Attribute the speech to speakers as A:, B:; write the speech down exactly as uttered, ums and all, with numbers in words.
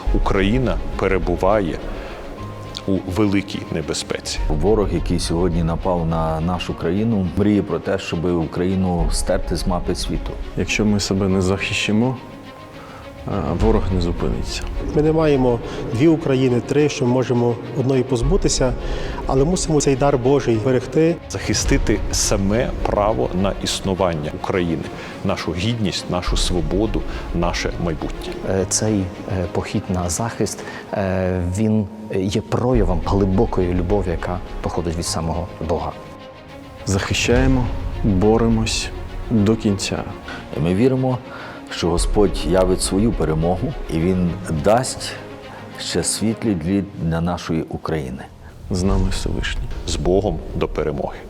A: Україна перебуває у великій небезпеці.
B: Ворог, який сьогодні напав на нашу країну, мріє про те, щоб Україну стерти з мапи світу.
C: Якщо ми себе не захищимо, ворог не зупиниться.
D: Ми не маємо дві України, три, що ми можемо одної позбутися, але мусимо цей дар Божий берегти.
A: Захистити саме право на існування України, нашу гідність, нашу свободу, наше майбутнє.
E: Цей похід на захист, він є проявом глибокої любові, яка походить від самого Бога.
C: Захищаємо, боремось до кінця.
B: І ми віримо, що Господь явить свою перемогу і Він дасть ще світлий дліт для нашої України.
C: З нами Всевишній.
A: З Богом до перемоги.